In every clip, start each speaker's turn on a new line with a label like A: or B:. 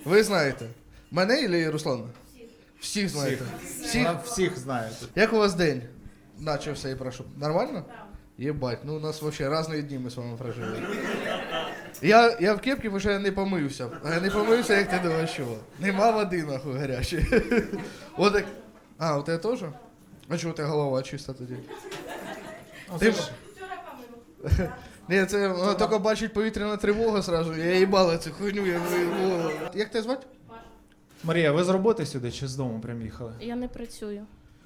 A: Ви знаєте. Мене или Руслана? Всіх знаєте.
B: Всіх знаєте.
A: Як у вас день? Начався і прошу. Нормально? Єбать, ну у нас вообще різні дні ми з вами прожили. Я в кепці вже не помився. Я не помився, як ти думаєш, що? Нема води, нахуй, гарячої. Вот так. А, у тебе теж? А чого у тебе голова чиста тоді? Ти... Ні, це вона тільки бачить повітряна тривога сразу. Я їбала цю хуйню, я голову. Як тебе звати?
B: Марія, ви з роботи сюди чи з дому прям їхали?
C: Я не працюю.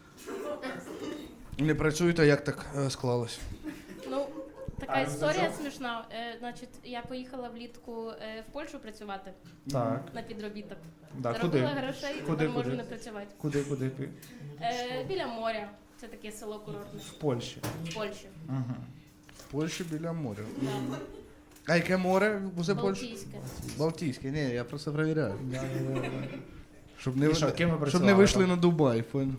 A: Не працюєте, як так склалось?
C: Ну, така історія смішна. Значить, я поїхала влітку в Польщу працювати
B: Так.
C: на підробіток.
B: Да,
C: Заробила грошей, тепер можу не працювати.
B: Куди?
C: Біля моря. Це таке село курортне.
B: В Польщі.
C: В Польщі.
B: Угу.
A: В Польщі біля моря.
C: Да.
A: А яке море в Польщі?
C: Балтійське.
A: Балтійське, ні, я просто перевіряю. Щоб не,
B: І що, ким ви
A: щоб
B: працювали
A: не вийшли
B: там?
A: на Дубай, понял?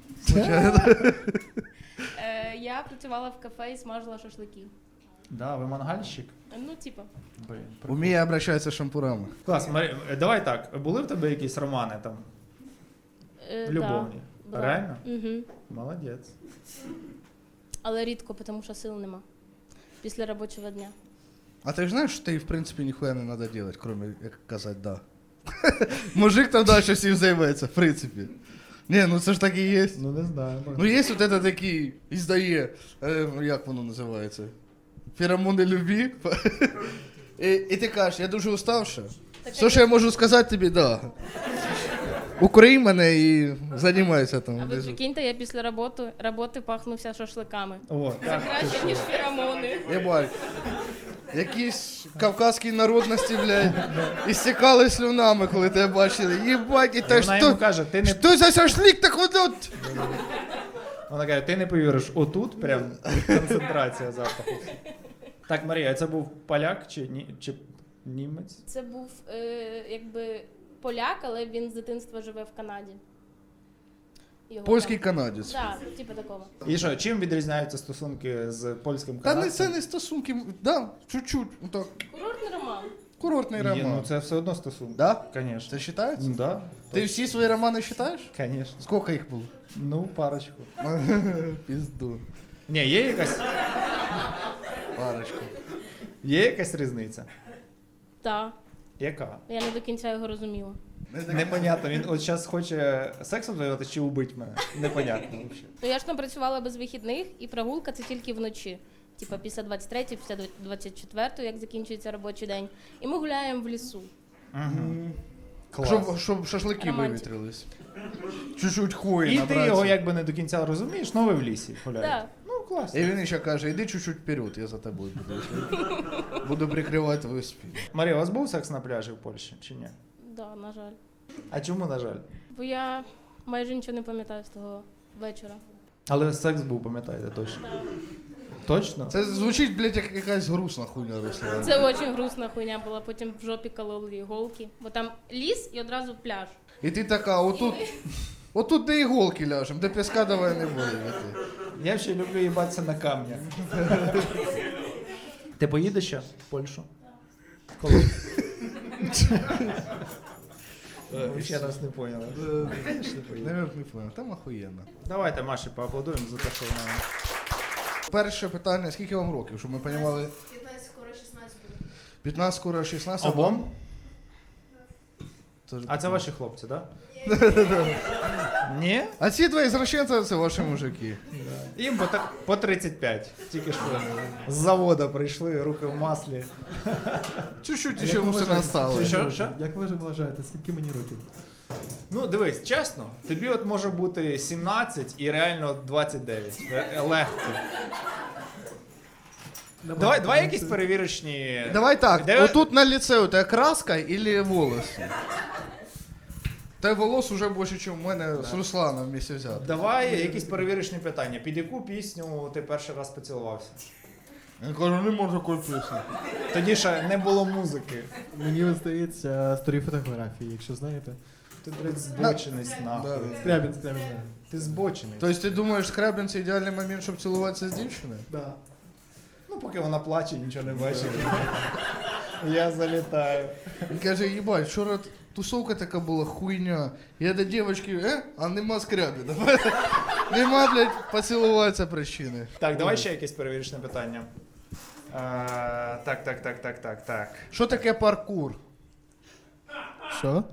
C: Я працювала в кафе і смажила шашлики.
B: Да, ви мангальщик?
C: Ну, типа.
B: Блін, прикольно.
A: Уміє обращатися з шампурами.
B: Клас, Марія, давай так, були в тебе якісь романи там? Любовні?
C: Да.
B: Реально?
C: Угу.
B: Молодець.
C: Але рідко, тому що сил нема. Після робочого дня.
A: А ти ж знаєш, що ти, в принципі, ніхуя не треба робити, крім як казати «да». Мужик там далі всім займається, в принципі. Ні, ну це ж так і є.
B: Ну не знаю.
A: Ну є от це такий, і здає, як воно називається? Феромони любві. І ти кажеш, я дуже уставша. Все, що я можу сказати тобі, да. Укрий мене і займайся там.
C: А ви прикиньте, я після роботи пахнувся шашликами.
B: О, так.
C: Краще, ніж феромони.
A: Єбать. Якісь кавказькі народності, блядь, істікали слюнами, коли тебе бачили. Єбать, і
B: І
A: та
B: вона йому
A: що?
B: каже, ти не...
A: Що за шашлик так от?
B: Вона каже, ти не повіриш, отут прям концентрація запаху. Так, Марія, а це був поляк чи німець?
C: Це був якби поляк, але він з дитинства живе в Канаді. Його
A: Польський
C: там-
A: канадець.
C: Да, типу такого.
B: І що, чим відрізняються стосунки з польським
A: Та
B: канадцем?
A: не це не стосунки, да, чуть-чуть, так,
C: Курортний роман.
A: курортний
B: Ні,
A: роман.
B: ну це все одно стосунки.
A: Да?
B: Конечно.
A: Це вважається?
B: Ну да.
A: Ти всі свої романи читаєш?
B: Конечно.
A: Скільки їх було?
B: Ну, парочку.
A: Пізду.
B: Ні,
A: Парочку.
B: є якась різниця?
C: Так.
B: Яка?
C: Я не до кінця його розуміла.
B: Непонятно, він от зараз хоче сексом займатися чи убити мене. Непонятно взагалі.
C: Ну я ж там працювала без вихідних, і прогулка це тільки вночі. Типа після 23, після 24, як закінчується робочий день. І ми гуляємо в лісу.
B: Угу. Клас.
A: Щоб шашлики
C: Романтика.
A: вивітрились. Чуть-чуть хвої
B: І
A: набраться.
B: ти його якби не до кінця розумієш, але ви в лісі гуляєте.
C: Да.
B: Ну, класно.
A: І він ще каже, іди чуть-чуть вперед, я за тобою буду. Буду прикривати твою спину.
B: Марія, у вас був секс на пляжі в Польщі чи ні?
C: Да, на жаль.
B: А чому, на жаль?
C: Бо я майже нічого не пам'ятаю з того вечора.
B: Але секс був, пам'ятаєте, точно. Точно?
A: Це звучить, блядь, як якась грустна хуйня, Руслан.
C: Це дуже грустна хуйня була, потім в жопі кололи іголки. Бо там ліс і одразу пляж.
A: І ти така, отут де іголки ляжем, де піска давай не буде.
B: Я ще люблю їбатися на камнях. Ти поїдеш ще в Польщу? Коли? Ви ще нас не поняли.
A: Не понял, там охуєнно.
B: Давайте Маші поаплодуємо за те, що вона...
A: Перше питання, скільки вам років, щоб ми розуміли?
C: 15, скоро 16 буде.
A: 15, скоро 16.
B: Обом?
A: Тож-
B: А це ваші хлопці, так? Ні?
A: А ці два извращенці, це ваші мужики.
B: Їм по 35. Тільки що з завода прийшли, руки в маслі.
A: Чуть-чуть ще все не осталось.
B: Що?
D: Як ви вважаєте, скільки мені років?
B: Ну, дивись, чесно, тобі от може бути 17 і реально 29. Легко. Давай якісь перевірочні...
A: Давай так,
B: Де-
A: отут на лице у тебе краска или волоси? Та волос уже більше, ніж у мене з Русланом вместе взяти.
B: Давай якісь перевірочні питання. Під яку пісню ти перший раз поцілувався?
A: Я кажу, не можу такої пісні.
B: Тоді ще не було музики.
D: Мені здається, старі фотографії, якщо знаєте.
B: Ти, блядь, збочинець, нахуй.
D: Скрябін.
B: Ти збочений.
A: Тобто ти думаєш, Скрябін це ідеальний момент, щоб цілуватися з дівчиною?
D: Да.
B: Ну, поки вона плаче, нічого не бачить. Я залітаю.
A: Він каже, їбать, тусовка така була хуйня. Я до дівчинки, а нема скряби. Давай. Нема, блядь, поцілуватися причини.
B: Так, давай ще якесь перевірочне питання. Так.
A: Що таке паркур?
D: Що?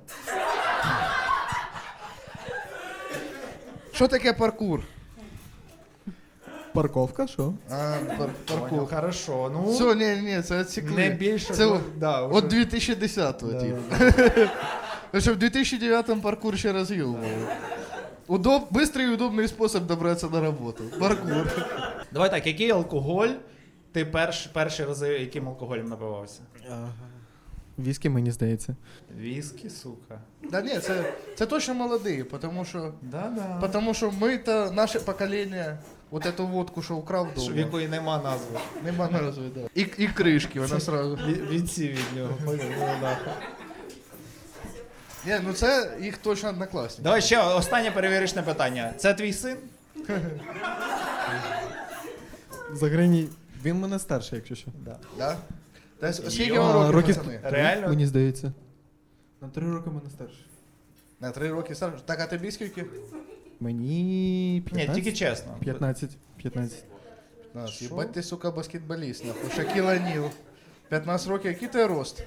A: Що таке паркур?
D: Парковка, що?
A: Паркур.
B: Понял, хорошо. Ну,
A: Все, ні, це відсікли.
B: не більше.
A: Це
B: да,
A: от
B: вже.
A: 2010-го,
B: Да,
A: типу. Тому що в 2009-му паркур ще роз'їбував. Быстрый и удобный способ добратися на роботу. Паркур.
B: Давай так, який алкоголь ти перші рази яким алкоголем напивався?
D: Віскі, мені здається.
B: Віскі, сука.
A: Да ні, це точно молодий, потому що ми-то, наше покоління, вот эту водку, що украв
B: В
A: дома,
B: якої нема назви.
A: нема назви, да. І кришки, вона сразу.
B: Відсів від нього.
A: Ні, ну це їх точно однокласники.
B: Давай ще останнє перевірочне питання. Це твій син?
D: Заграні. Він мене старший, якщо що.
B: Да.
A: Да? Та скільки
B: Йо,
A: вам років,
D: років-
A: пацани?
B: Реально?
D: Мені здається. На 3 роки мене старший.
A: На 3 роки старше. Так, а тобі скільки?
D: Мені
B: Ні,
D: 15?
B: тільки чесно.
D: 15. 15.
A: Нас, їбать ти, сука, баскетболіст, нахуй. Шакіл О'Ніл. 15 років, який ти рост?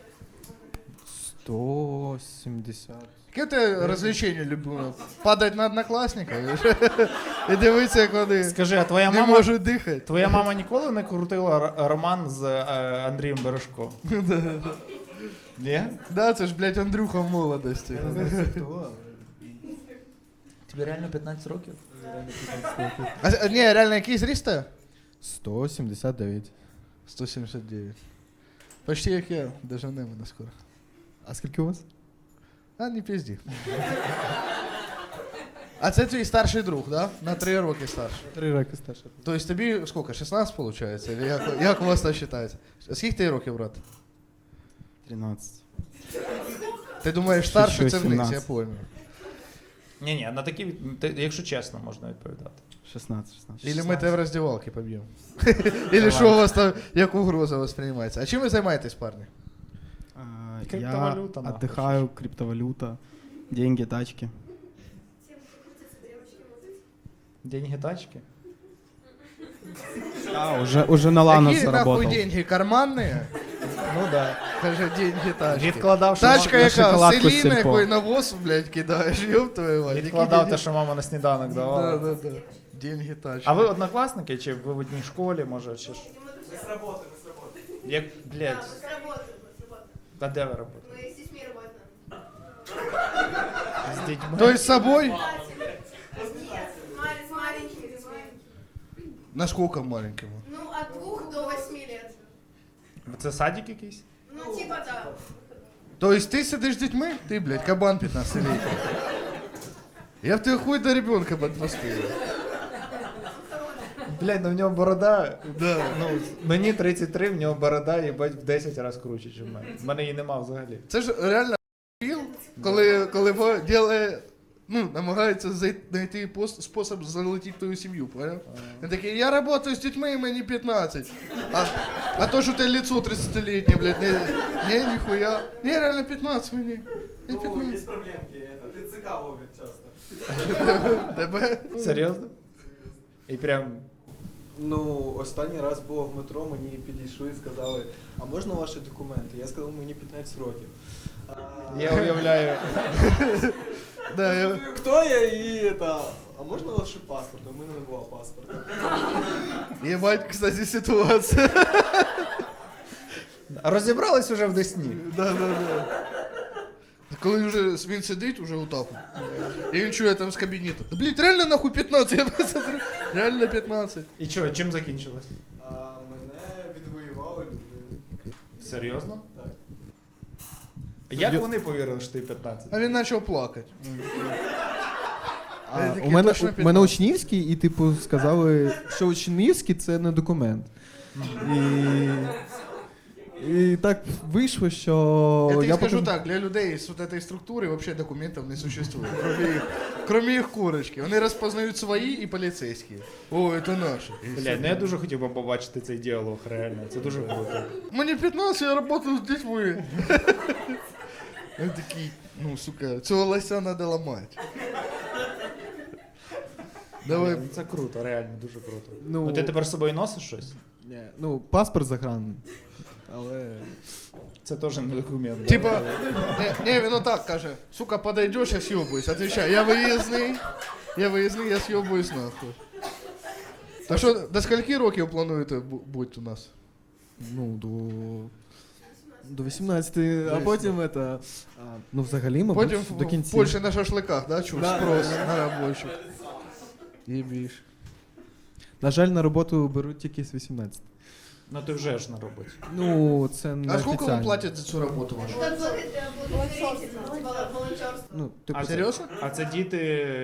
D: 170.
A: Яке ти розвлечення любимо? Падать на однокласника і дивитися, як вони
B: Скажи, а твоя
A: не
B: мама...
A: можуть дихати.
B: Твоя мама ніколи не крутила роман з Андрієм Бережком? Ні?
A: Да, це ж, блядь, Андрюха в молодості.
B: Тобі реально 15 років?
A: А ні, реально, який зріст ти?
D: 179.
A: 179. Почти як я, дожене мене скоро.
D: А скільки у вас?
A: А, не пізді. А це твій старший друг, да? На 3 роки старший.
D: 3 роки старший.
A: Тобто тобі скільки, 16 виходить? Или як у вас там вважається? Скільки ти років, брат?
D: 13.
A: Ти думаєш, старший це
D: Ще
A: вниз, я
D: 17.
A: пойму.
B: Ні, на такі, якщо чесно, можна відповідати.
D: 16.
A: Или ми тебе в роздівалки поб'ємо. Или що у вас там, як угроза восприймається. А чим ви займаєтесь, парні?
B: Криптовалюта,
D: Я
B: нахуй.
D: отдыхаю, криптовалюта, деньги, тачки.
B: Деньги, тачки?
D: Уже на Ланос
A: Які нахуй
D: заработал.
A: деньги? Карманні?
B: Ну да.
A: Каже, деньги тачки.
B: Відкладав, що
A: Тачка
D: на
A: яка,
D: шоколадку з
A: селіна,
D: Сільпо.
A: якої навоз, блядь, кидаєш, ёб твою мать. Які
B: відкладав
A: деньги?
B: те, що мама на сніданок давала.
A: Да. Деньги тачки.
B: А ви однокласники, чи ви в одній школі, може, чи ж?
E: Мы с работы.
B: Як, блядь,
E: С работы.
B: а де ви робите?
E: Мы с детьми работаем.
B: З дітьми?
A: То есть с собой?
E: Нет, с маленькими.
A: На сколько маленькому?
E: Ну, от 2 до 8 лет.
B: Це садик якийсь?
E: Ну, типа да.
A: То есть ты сидишь с детьми? Ты, блядь, кабан 15-летний. Я в тебе хуй до ребенка подпустил.
B: Блядь, ну в нього борода.
A: Да.
B: Ну, мені 33, в нього борода, їбать, в 10 разів круче, ніж в мене. В мене її нема взагалі.
A: Це ж реально філ, коли ділає, ну, намагається знайти спосіб залетіти в твою сім'ю, понял? Він такий, я працюю з дітьми, і мені 15. А то, що ти лицо 30-літнє, блядь, не, ніхуя. Не, реально 15 мені. Не 15.
F: Есть проблемки, это ТЦК ловит часто.
A: Тебе?
B: Серйозно? І прям.
F: Ну, останній раз було в метро, мені підійшли і сказали, а можна ваші документи? Я сказав, мені 15 років.
B: Я уявляю.
A: Да, я...
F: Хто я і это, а можна ваш паспорт? У мене не було паспорта.
A: Ебать, кстати, ситуація.
B: Розібрались уже в Десні.
A: Да. Коли вже він сидить, уже отак. І він чує там з кабінету. Да, блядь, реально нахуй 15? Я посмотрю. Реально 15.
B: І що, чим закінчилось?
F: Мене відвоювали люди.
B: Серйозно?
F: Так.
B: Як вони повірили, що ти 15?
A: А він почав плакати.
D: А,
A: Такі
D: у мене,
A: точно
D: у
A: 15.
D: мене учнівський, і типу сказали, що учнівський це не документ. І так вийшло, що
A: Я тобі скажу
D: потім-
A: так, для людей з вот этой структури вообще документів не существует. Кроме їх курочки. Вони розпознають свої і поліцейські. О, це наші. І
B: Блядь, ну я дуже хотів би побачити цей діалог, реально. Це дуже круто.
A: Мені 15, я працюю з дітьми. Він такий, ну, сука, цього лося треба ламати. Давай.
B: Блін, це круто, реально, дуже круто.
D: Ну,
B: Ну ти тепер з собою носиш щось?
D: ні, ну, паспорт заграний. Але.
B: Це теж не документ. да?
A: Типа, не, він отак каже, сука, подойдеш, я съебуюсь. Отвечай, я виїзний, я съебуюсь нахуй. Так що, до скільки років плануєте бути у нас?
D: Ну, до 18, а потім это. Ну, взагалі, мабуть,
A: Потім
D: до
A: в
D: кінця.
A: Польщі на шашликах, да, чув?
D: Да.
A: Спрос на робочих. Єбіш.
D: На жаль, на роботу беруть тільки з 18.
B: Ну ти вже ж на роботі.
D: Ну, це не
A: А скільки вам
D: офіціально.
A: платять за цю роботу вашу?
E: Это благотворительность, волонтерство.
D: Ну, типу,
A: А
D: це
A: серйозно?
B: А це діти.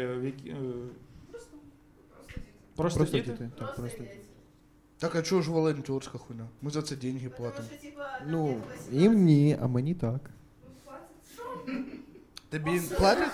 B: Просто діти?
D: Так,
E: Просто
D: просто.
E: дети.
A: Так, а чого ж волонтерська хуйня? Ми за це деньги
E: Потому
A: платимо.
E: что, типа,
D: Ну, їм ні, а мені так.
A: Тобі платять?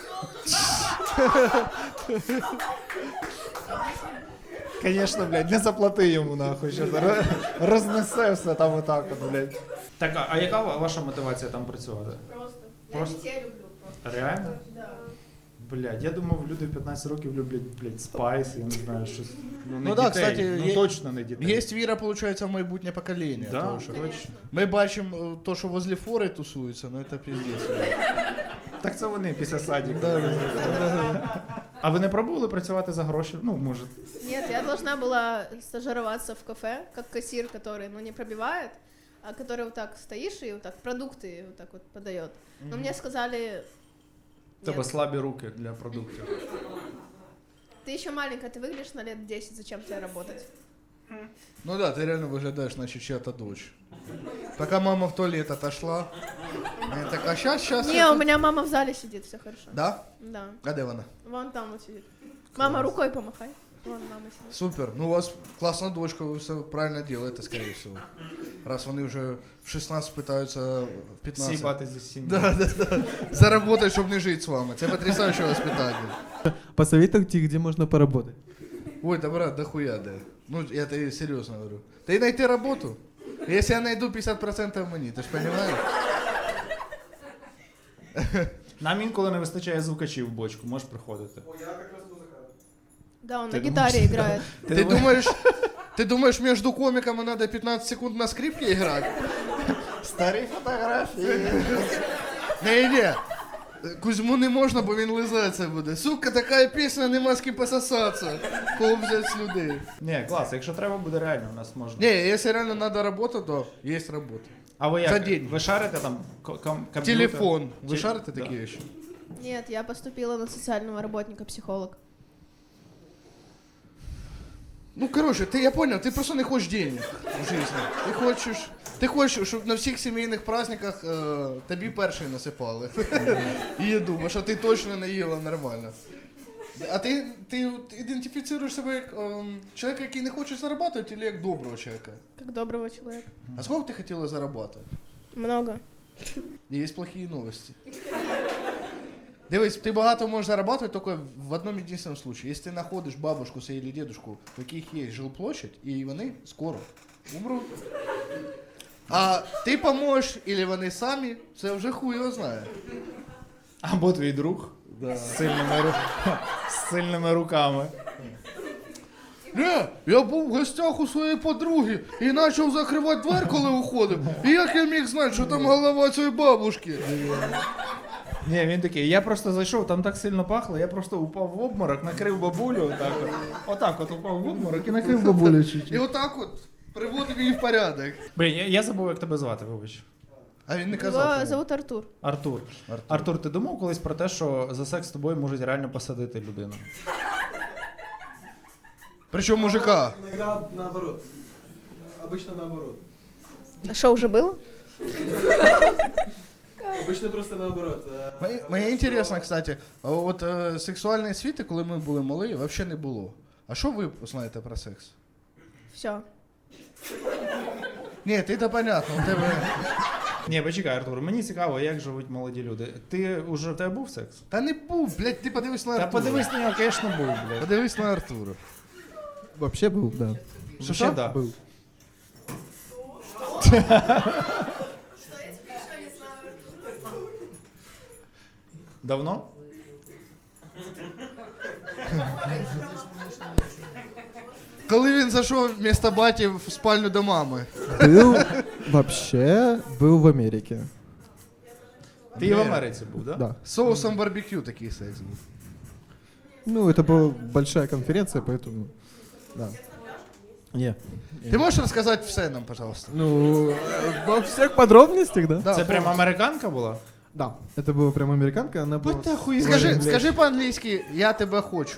B: Звісно, блядь, не заплати йому нахуй, що рознесе все там отак, от, блядь. Так, а яка ваша мотивація там працювати?
E: Просто. Я
B: Просто.
E: детей люблю просто.
B: Реально?
E: Да.
B: Блядь, я думав, люди в 15 років люблять, блядь, спайс, я не знаю, щось. Ну, не
A: Ну да,
B: дітей,
A: кстати,
B: ну
A: є-
B: точно не дітей.
A: Є віра, виходить, в майбутнє покоління.
B: Да,
A: тому що
B: точно.
A: Ми бачимо то, що возле фори тусуються, ну це піздець.
B: Так це вони після садіку.
A: Да.
B: А ви не пробували працювати за гроші? Ну, може.
E: Нет, я должна была стажироваться в кафе, как кассир, который, ну, не пробивает, а который вот так стоишь и вот так продукты вот так вот подает. Но мне сказали,
B: В тебе
E: нет,
B: слабі руки для продуктів.
E: ты еще маленькая, ты выглядишь на лет 10, зачем тебе работать?
A: Ну да, ти реально виглядаєш, наче чия-то дочь. Пока мама в туалет отошла, я так, а щас.
E: Не, у меня мама в зале сидит, все хорошо.
A: Да?
E: Да,
A: А де вона?
E: вон там вот сидит. Мама, рукой помахай. Вон мама сидит.
A: Супер. Ну у вас класна дочка, ви все правильно робите, скорее всего. Раз вони вже в 16 питаються в 15.
B: Сібати зі сім'ї.
A: Да. Заработать, щоб не жити з вами. Це потрясаюче воспитання.
D: Посоветуйте, где можно поработать.
A: Ой, да брат, да хуя, да. Ну, я тебе серьезно говорю. Ты найти работу? Если я найду 50% мені, ти ж понимаешь?
B: Нам інколи не вистачає звукачів в бочку, можеш приходити.
E: Да, он
B: Ты
E: на
B: думаешь?
E: гитаре играет.
A: Ты думаешь, между комиками надо 15 секунд на скрипке играть?
B: Старі фотографії.
A: Не. Кузьму не можна, бо він лизатися буде. Сука, така пісня, нема з ким пососатися. Кого взяти з людей.
B: Ні, клас, якщо треба буде реально, у нас можна.
A: Не, якщо реально надо робота, то є робота.
B: А ви
A: за
B: як?
A: день.
B: Ви шарите там комп'ютер?
A: Телефон. Ви
B: Ті-
A: шарите
B: да.
A: такі речі?
E: Нет, я поступила на социального работника, психолог.
A: Ну, короче, я понял, ты просто не хочешь денег в жизни. Ти хочеш, щоб на всіх сімейних праздниках тобі перший насипали. І їду, бо що ти точно не їла нормально. А ти ідентифіцируєш себе як чоловіка, який не хоче заробляти, чи як доброго чоловіка?
E: Как доброго человека.
A: А сколько ти хотіла заробляти?
E: Много.
A: Є плохі новості. Дивись, ти багато можеш заробляти тільки в одному єдиному случае. Якщо ти знаходиш бабушку или дедушку, у яких є жилплощадь, і вони скоро умруть. А ти поможеш, або вони самі, це вже хуй його знає.
B: Або твій друг з сильними руками.
A: Не, я був в гостях у своєї подруги і почав закривати двері, коли уходив. І як я міг знати, що там голова цієї бабушки?
B: Ні, він такий, я просто зайшов, там так сильно пахло, я просто упав в обморок, накрив бабулю, отак от упав в обморок і накрив бабулю
A: І
B: чуть-чуть.
A: отак от приводив її в порядок.
B: Блін, я забув, як тебе звати, вибач.
A: А він не казав.
E: Его
A: кому.
E: зовут Артур.
B: Артур. Артур, ти думав колись про те, що за секс з тобою можуть реально посадити людину?
A: Причому мужика.
F: Иногда наоборот. Обычно наоборот.
E: А что, уже было?
F: Обычно просто наоборот.
A: Мені інтересно, кстати, а от сексуальної світи, коли ми були малі, взагалі не було. А що ви знаєте про секс?
E: Все.
A: Ні, ти-то понятно, у тебе.
B: Ні, почекай, Артур, мені цікаво, як живуть молоді люди. В тебе був секс?
A: Та не був, блядь, ти подивись на
B: Та
A: Артура.
B: подивись на нього, звісно, був, блядь.
A: Подивись на Артура.
D: Вообще був, да.
B: Що, да.
D: Був.
B: Давно?
A: Коли він зайшов вместо баті в спальню до мами.
D: Был в Америке.
B: Ти і в Америці був, да?
D: Да.
A: З соусом барбекю такий секс був.
D: Ну, это была большая конференция, поэтому... Да. Не.
A: Ти можеш розказати все нам, пожалуйста?
D: Ну, во всех подробностях, да?
A: Да,
B: Це прям американка була?
D: Да. Это была прям американка, она была...
A: Скажи по-англійськи, я тебе хочу.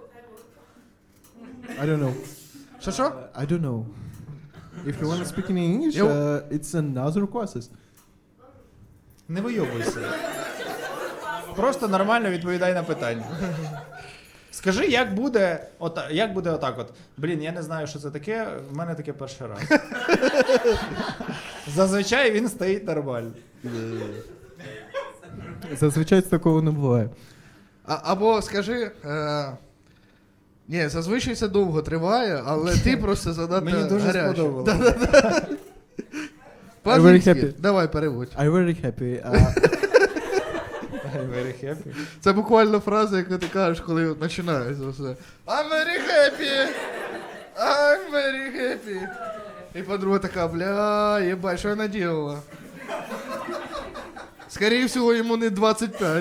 D: I don't know.
A: Що?
D: I don't know. If you want to speak in English, it's another process.
B: Не вийобуйся. Просто нормально відповідай на питання. Скажи, як буде отак от. Блін, я не знаю, що це таке, в мене таке перший раз. Зазвичай він стоїть нормально.
D: Зазвичай такого не буває.
A: Або скажи. Ні, зазвичай це довго триває, але ти просто занадто
B: Мені дуже
A: гарячий.
B: сподобалося.
A: По-англійськи.
D: I'm very happy.
A: Давай, переводь.
D: I'm very happy.
B: I'm very happy.
A: Це буквально фраза, яку ти кажеш, коли починається все. I'm very happy! I'm very happy! І подруга така, бля, єбать, що вона делала? Скорее всего, йому не 25.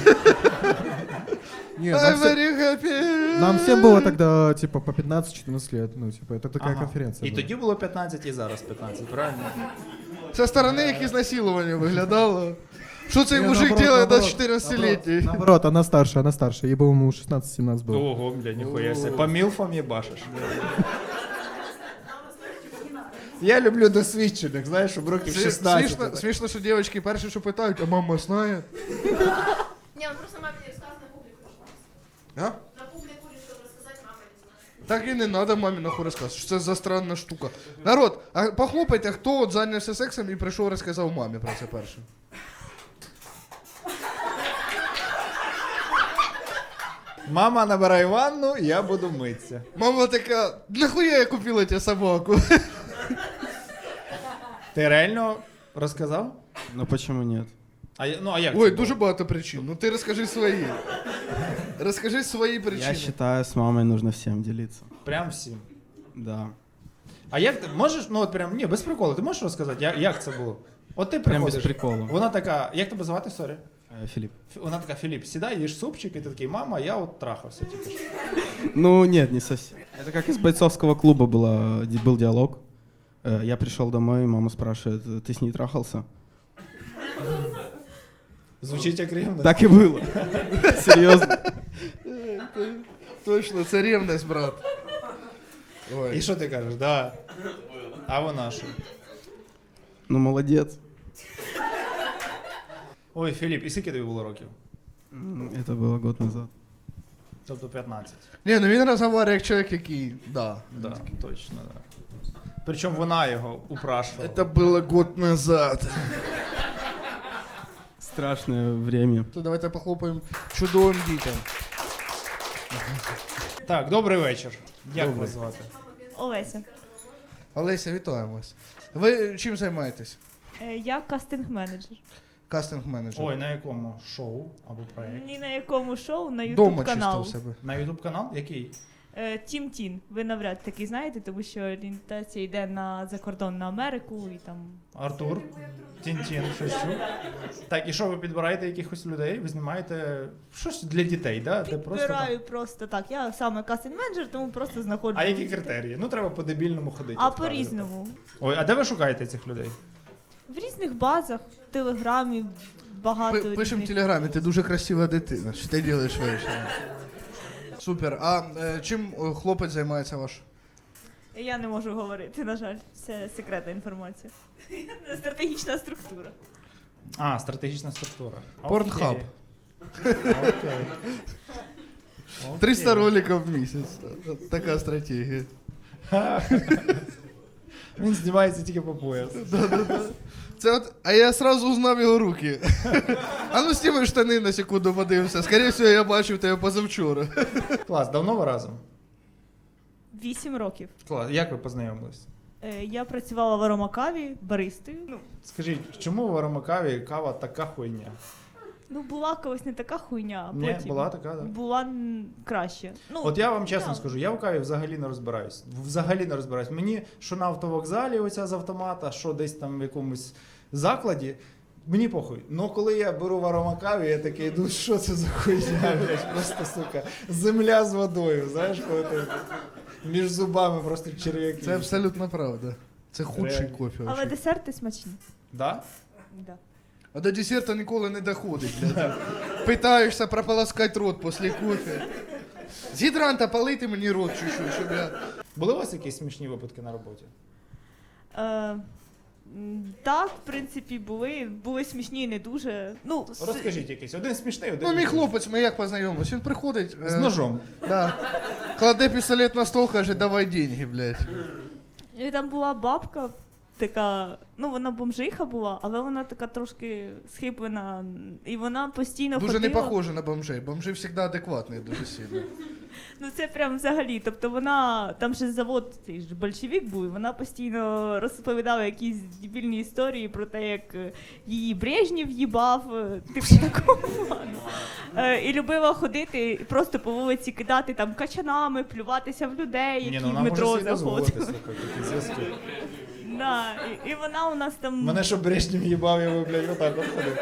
D: Нет,
A: I'm very happy!
D: нам всем было тогда, типа, по 15-14 лет. Ну, типа, это такая
B: Ага.
D: конференция
B: І
D: была.
B: тоді було 15, і зараз 15, правильно?
A: Со сторони як ізнасилування виглядало. Що цей
D: Не,
A: мужик
D: наоборот,
A: делает до
D: наоборот,
A: 14-летней?
D: Наоборот, она старше. Ей, по-моему, 16-17 было.
B: Ого, бля, ніхуя себе. По мілфам їбашиш. Я люблю досвідчених, знаєш, щоб років 16.
A: Смішно, що дівчатки перші, що питають, а мама знає?
E: Не, он просто маме не рассказал, на публику решил.
A: А?
E: На публику решил рассказать, мама не знает.
A: Так і не треба мамі нахуй розказувати, що це за странна штука. Народ, а похлопайте, хто от зайнявся сексом і прийшов розказав мамі про це перше.
B: Мама, набирай ванну, я буду митися.
A: Мама така, нахуя я купила тебе собаку?
B: Ти реально розказав?
G: Ну почему нет?
B: А як
A: Ой,
B: це
A: дуже
B: було?
A: багато причин. Ну ти розкажи свої. Розкажи свої
G: Я
A: причини.
G: считаю, с мамой нужно всем делиться.
B: Прям всім.
G: Да.
B: А як ти можеш, ну от прям, ні, без приколу, ти можеш розказати, як це було? От ти
G: Прям без
B: приходиш,
G: прикола.
B: вона така, як тебе звати, сорі?
G: Филипп.
B: Вона така, Філіп, сідай, їж супчик, і ти такий, мама, я от трахався тільки що.
G: Ну нет, не совсем. Это как из бойцовского клуба был диалог. Я пришел домой, мама спрашивает, ты с ней трахался?
B: Звучить як рівно.
G: Так и было. Серьезно.
A: Точно, це рівність, брат. Ой.
B: І що ти кажеш? Да. А вона що?
G: Ну молодец.
B: Ой, Філіп, і скільки тобі було років?
G: Это было год назад.
B: Тобто 15.
A: Ні, ну він розмовляє як чоловік, який, да.
B: Да, точно, да. Причому вона його упрашувала.
A: Это было год назад.
G: Страшное время.
A: То давайте похлопаємо чудовим дітям.
B: Так, добрий вечір. Як
A: Добрий.
B: вас звати?
H: Олеся.
A: Олеся, вітаємо вас. Ви чим займаєтесь?
H: Я кастинг-менеджер.
A: Кастинг-менеджер.
B: Ой, на якому шоу або проєкт?
H: Ні на якому шоу, на
A: Дома
H: YouTube
A: чисто
H: канал.
A: в себе.
B: На YouTube канал? Який?
H: Тім Тін. Ви навряд таки знаєте, тому що орієнтація йде на закордон на Америку і там.
B: Артур? Тін-тін, щось чув? Так, і що, ви підбираєте якихось людей? Ви знімаєте щось для дітей, да? Де просто
H: Підбираю просто так. Я саме кастинг-менеджер, тому просто знаходжу.
B: там... А які критерії? Ну, треба по-дебільному ходити.
H: А
B: от кажете.
H: по-різному.
B: Ой, а де ви шукаєте цих людей?
H: В різних базах, в Телеграмі багато.
A: Пишемо в
H: різних.
A: телеграмі, ти дуже красива дитина. Що ти робиш ввечері? Супер. А чим хлопець займається ваш?
H: Я не можу говорити, на жаль. Це секретна інформація. Стратегічна структура.
B: А, стратегічна структура.
A: Порнхаб.
B: Окей.
A: 300 роликів в місяць. Така стратегія.
B: Він знімається тільки по пояс.
A: Це от, а я сразу узнав його руки. А ну сніми штани на секунду подивимося. Скоріше всього, я бачив тебе позавчора.
B: Клас, давно ви разом?
H: 8 років.
B: Клас, як ви познайомились?
H: Я працювала в аромакаві баристою.
B: Скажіть, чому в Аромакаві кава така хуйня?
H: Ну, була колись не така хуйня, а
B: Ні,
H: потім
B: була така, да.
H: була краще. Ну,
B: От я вам чесно
H: да.
B: скажу, я в каві взагалі не розбираюсь. Взагалі не розбираюсь. Мені що на автовокзалі оця з автомата, що десь там в якомусь закладі, мені похуй. Ну коли я беру в аромакаві, я такий, ну що це за хуйня, блядь, просто, сука, земля з водою, знаєш, коли ти між зубами просто черв'яки.
A: Це абсолютно правда. Це худший
B: Реально.
A: кофе.
H: Але
A: вообще.
H: десерти смачні.
B: Да?
H: Да.
A: А до десерта ніколи не доходить, блядь. Питаєшся прополоскати рот після кофе. З гідранта полити мені рот чуть-чуть, щоб я...
B: Були у вас якісь смішні випадки на роботі?
H: Так, в принципі, були смішні і не дуже. Ну,
B: Розкажіть якийсь. Один смішний, один.
A: Ну, мій
B: не дуже.
A: хлопець, ми як познайомились, він приходить...
B: З ножом.
A: Да. Кладе пістолет на стол, каже, давай деньги, блядь.
H: І там була бабка така, ну вона бомжиха була, але вона така трошки схиплена. І вона постійно
A: Дуже
H: ходила.
A: не похоже на бомжей. Бомжи завжди адекватні дуже сильно.
H: Ну це прям взагалі. Тобто вона, там ще завод цей ж большевик був, і вона постійно розповідала якісь дебільні історії про те, як її Брежнєв їбав, типу такого плану. І любила ходити і просто по вулиці кидати там качанами, плюватися в людей, які в метро заходили.
B: Зв'язки.
H: Да, і вона у нас там.
B: Мене що Брежнєв їбав, я би, блядь, отак от ходив.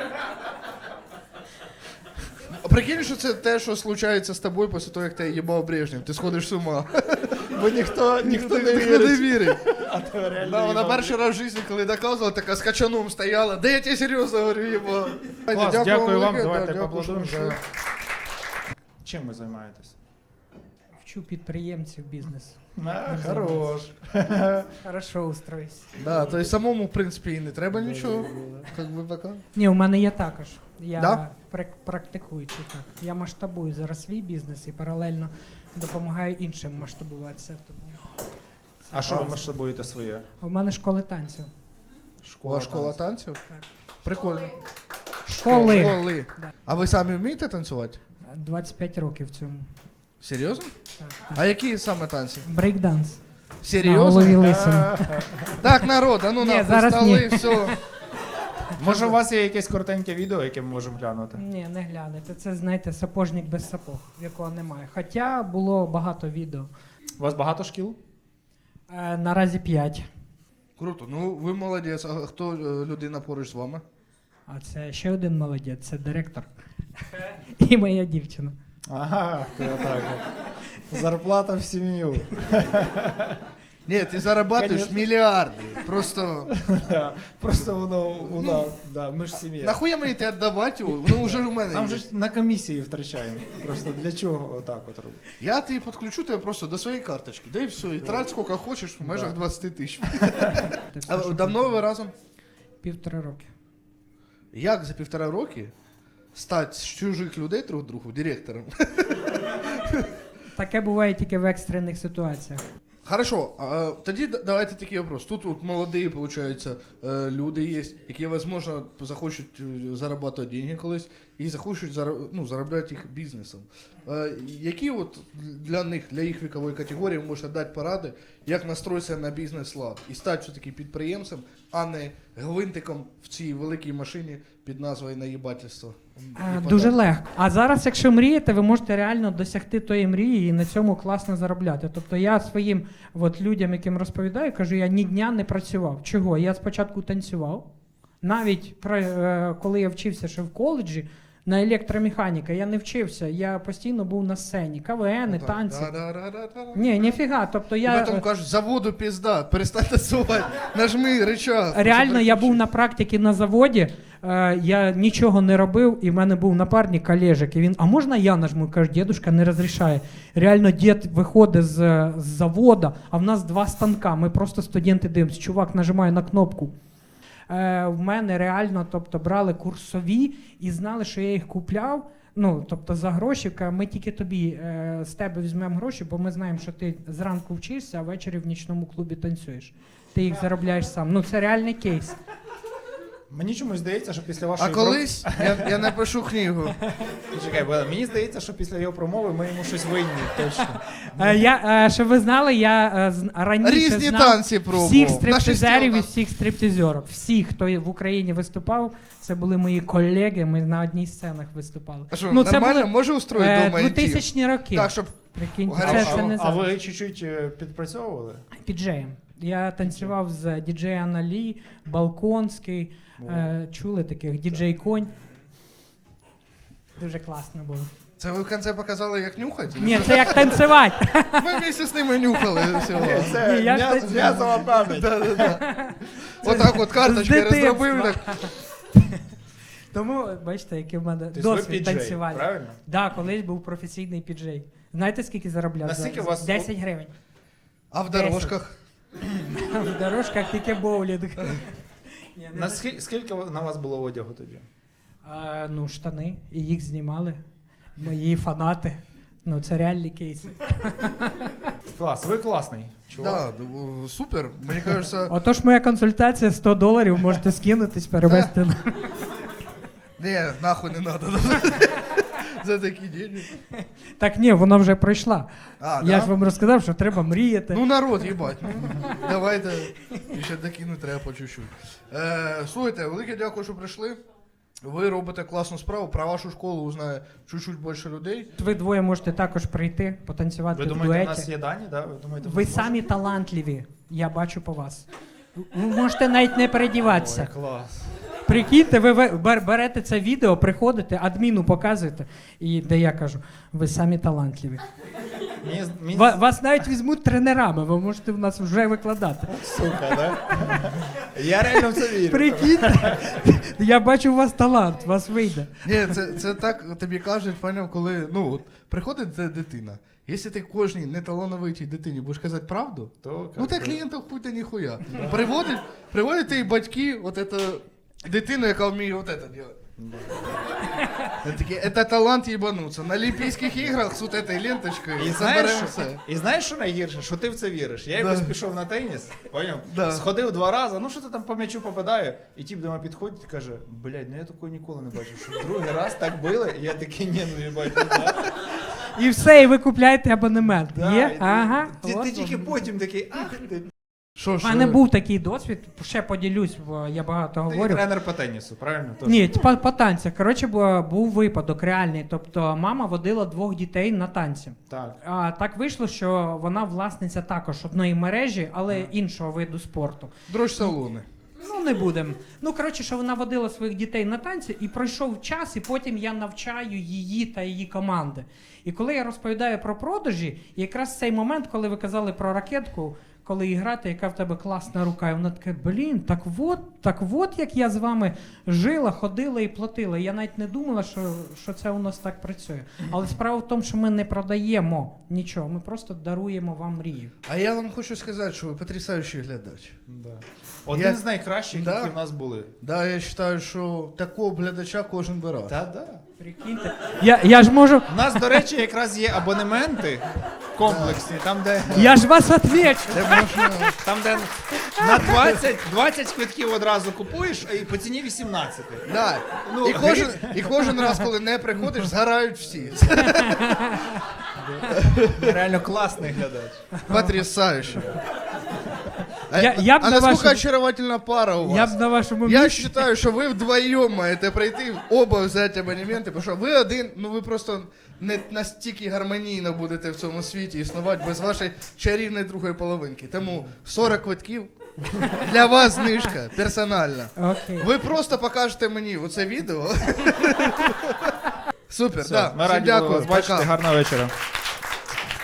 A: А прикинь, що це те, що случається з тобою після того, як тебе їбав Брежнєв. Ти сходиш з ума.
B: Бо ніхто не
A: не
B: вірить.
A: вірить.
B: А то реально
A: Да, вона
B: їбав.
A: перший раз в житті, коли доказувала, така з качаном стояла. Да я тебе серйозно говорю, їбав.
B: Клас, дякую вам,
A: велике,
B: давайте
A: дякую,
B: поаплодуємо.
A: що-
B: за- Чим ви займаєтесь?
I: Вчу підприємців бізнесу.
B: Хорош.
I: Хорошо устроюсь.
A: Да, то есть самому, в принципі, і не треба нічого. Как би пока.
I: Ні, у мене є також. Я
A: Да?
I: практикуючий так. Я масштабую зараз свій бізнес і паралельно допомагаю іншим масштабуватися. Тому
B: А що ви масштабуєте своє?
I: у мене школи танців.
A: У вас школа танців?
I: Так.
A: Прикольно.
I: Школи.
A: Школи.
I: Да.
A: А ви самі вмієте танцювати?
I: 25 років цьому.
A: Серйозно?
I: Так,
A: А
I: так.
A: які саме танці?
I: Брейкданс. На голові
A: Серйозно?
I: лисин.
A: Так, народ, а ну
I: Ні,
A: нахуй
I: зараз
A: стали,
I: ні.
A: все.
B: Може, у вас є якесь коротеньке відео, яке ми можемо глянути?
I: Ні, не глянете. Це, знаєте, сапожник без сапог, якого немає. Хоча було багато відео.
B: У вас багато шкіл?
I: Наразі 5.
A: Круто, ну ви молодець. А хто людина поруч з вами?
I: А це ще один молодець, це директор. І моя дівчина.
B: Ага, то так. Зарплата в сім'ю.
A: Ні, ти зарабатуєш
B: Конечно.
A: мільярди. Просто
B: Просто воно, да, ми ж сім'я.
A: нахуя мені те віддавати його? Воно вже у мене
B: Там
A: є.
B: же ж на комісії втрачаємо. Просто для чого отак от робити?
A: Я тобі підключу тебе просто до своєї карточки. Да і все, і трать скільки хочеш в межах 20 тисяч.
I: Це все,
A: А
I: що
A: давно ви разом?
I: 1,5 роки.
A: Як за 1,5 роки стати з чужих людей друг другу директором?
I: Таке буває тільки в екстрених ситуаціях.
A: Хорошо, а тоді давайте такий вопрос. Тут от молоді, виходить, люди є, які, можливо, захочуть заробляти деньги колись і захочуть заробляти їх бізнесом. Які от для них, для їх вікової категорії ви можете дати поради, як настроїтися на бізнес-лад і стати все-таки підприємцем, а не гвинтиком в цій великій машині під назвою наїбательство?
I: Дуже легко. А зараз, якщо мрієте, ви можете реально досягти тої мрії і на цьому класно заробляти. Тобто я своїм людям, яким розповідаю, кажу, я ні дня не працював. Чого? Я спочатку танцював. Навіть коли я вчився ще в коледжі, на електромеханіка я не вчився, я постійно був на сцені. КВН, танці. Ні, ніфіга. Тобто
A: І
I: я...
A: потім кажуть, заводу пізда, перестань танцювати, нажми рычаг.
I: Реально, я був на практиці на заводі, я нічого не робив, і в мене був напарник Олежик, і він, а можна я нажму? Каже, дідушка не розрішає. Реально, дід виходить з заводу, а в нас 2 станка, ми просто студенти дивимося, чувак нажимає на кнопку. В мене реально, тобто, брали курсові і знали, що я їх купляв, тобто за гроші, ми тільки тобі, з тебе візьмемо гроші, бо ми знаємо, що ти зранку вчишся, а ввечері в нічному клубі танцюєш. Ти їх заробляєш сам. Це реальний кейс.
B: Мені чомусь здається, що після вашої
A: А колись я напишу книгу.
B: Чекай, бо мені здається, що після його промови ми йому щось винні, точно.
I: Щоб ви знали, я раніше
A: Різні
I: знав
A: танці пробував.
I: всіх
A: На
I: стриптизерів і
A: шестерках.
I: всіх стриптизерів. Всіх, хто в Україні виступав, це були мої колеги, ми на одній сценах виступали.
A: А що,
I: це
A: нормально?
I: були,
A: Може устроїти дома інтим?
I: 2000-ні роки.
A: Так, щоб
I: Прикиньте,
A: Гарячо.
I: це не
B: А
I: зараз.
B: ви чуть-чуть підпрацьовували?
I: Піджеєм. Я танцював з діджей Аналі, Балконський. Чули таких? Діджей Конь. Дуже класно було.
A: це ви в кінці показали, як нюхати?
I: Ні, це як танцювати.
A: Ми вместе з ними нюхали всього.
B: Це
I: Ні, я ж танцював.
B: м'язова пам'ять.
A: Отак от карточки
I: З
A: розробив. Так.
I: Тому, бачите, який в мене
B: Тобто ви
I: досвід
B: піджей,
I: танцювальний.
B: правильно?
I: Так, колись був професійний піджей. Знаєте, скільки заробляв?
B: Наскільки у вас-
I: 10 гривень.
A: А в дорожках?
I: В дорожках тільки боулінг. Ні, не
B: Скільки на вас було одягу тоді?
I: Ну, штани, і їх знімали. Мої фанати. Ну, це реальні кейси.
B: Клас, ви класний. Чувак.
A: Да, супер. Мені кажется,
I: Отож, моя консультація $100, можете скинутись, перевести на.
A: не, нахуй не надо. За такі деньги.
I: Так ні, вона вже пройшла.
A: А,
I: Я
A: да?
I: ж вам розказав, що треба мріяти.
A: Ну народ, їбать. Давайте ще докинути треба по чуть-чуть. Слухайте, велике дякую, що прийшли. Ви робите класну справу, про вашу школу узнає чуть-чуть більше людей.
I: Ви двоє можете також прийти, потанцювати
B: Ви
I: в
B: думаєте, у
I: дуеті.
B: нас є дані? Да? Ви думаєте,
I: Ви
B: ми
I: самі талантливі, я бачу по вас. Ви можете навіть не передіватися.
B: Ой, клас.
I: Прикиньте, ви берете це відео, приходите, адміну показуєте, і де я кажу, ви самі талантливі. Вас навіть візьмуть тренерами, ви можете в нас вже викладати.
B: Сука, да? Я реально в це вірю.
I: Прикиньте, я бачу у вас талант, у вас вийде.
A: Ні, це так тобі кажуть, поняв, коли от, приходить ця дитина. Якщо ти кожній неталановитій дитині будеш казати правду,
B: То,
A: ну ти клієнтів хуй ти ніхуя. Приводять ти батьки, от это, дитину, яка вміє от это делать. Это талант ебануться. На Олімпійських іграх з от этой ленточкою
B: І
A: заберемо
B: знаєш,
A: все.
B: і знаєш, що найгірше? Що ти в це віриш. Я якось пішов на теніс, поняв?
A: Да.
B: Сходив 2 рази, ну що ти там по м'ячу попадає, і тіп до мене підходить і каже, блядь, ну я такого ніколи не бачив, що другий раз так били, і я такий, ні, ну їбать, ну да.
I: І все, і ви купляєте абонемент.
B: Да,
I: Є?
B: і
I: Ага.
B: Ти
I: от
B: тільки
I: вам.
B: потім такий, ах ти.
A: Що
I: У мене був такий досвід, ще поділюсь, бо я багато
B: Ти
I: говорю.
B: тренер по тенісу, правильно? Тож.
I: Ні, по танцях. Коротше, був випадок реальний. Тобто мама водила 2 дітей на танці.
B: Так.
I: А так вийшло, що вона власниця також одної мережі, але іншого виду спорту.
A: Дрож-салони.
I: Ну, не будемо. Ну, коротше, що вона водила своїх дітей на танці, і пройшов час, і потім я навчаю її та її команди. І коли я розповідаю про продажі, якраз цей момент, коли ви казали про ракетку, коли грати, яка в тебе класна рука, і вона така, блін, так от, як я з вами жила, ходила і платила. Я навіть не думала, що це у нас так працює. Але справа в тому, що ми не продаємо нічого, ми просто даруємо вам мрію.
A: А я вам хочу сказати, що ви потрясаючий глядач.
B: Да. Один з найкращих,
A: Да.
B: які в нас були.
A: Да, я вважаю, що такого глядача кожен би раз.
B: Та-да.
I: Прикиньте. Я ж можу.
B: У нас, до речі, якраз є абонементи комплексні, там, де...
I: Я ж вас отвечу.
A: Де можна...
B: Там, де на 20 квитків одразу купуєш, і по ціні 18.
A: Да.
B: Ну,
A: І кожен раз, коли не приходиш, згорають всі.
B: Реально класний глядач.
A: Потрясающе.
I: Я б
A: А
I: на
A: насколько
I: вашем-
A: очаровательна пара у
I: Я
A: вас?
I: б на вашому
A: Я
I: місці.
A: считаю, що ви вдвоєм маєте прийти, оба взяти абонементи, тому що ви один, ну ви просто не настільки гармонійно будете в цьому світі існувати без вашої чарівної другої половинки. Тому 40 квитків для вас знижка персональна.
I: Окей.
A: Ви просто покажете мені оце відео. Супер,
B: Все,
A: да.
B: ми
A: Всім
B: раді були
A: дякую.
B: вас бачити,
A: Пока.
B: гарного вечора.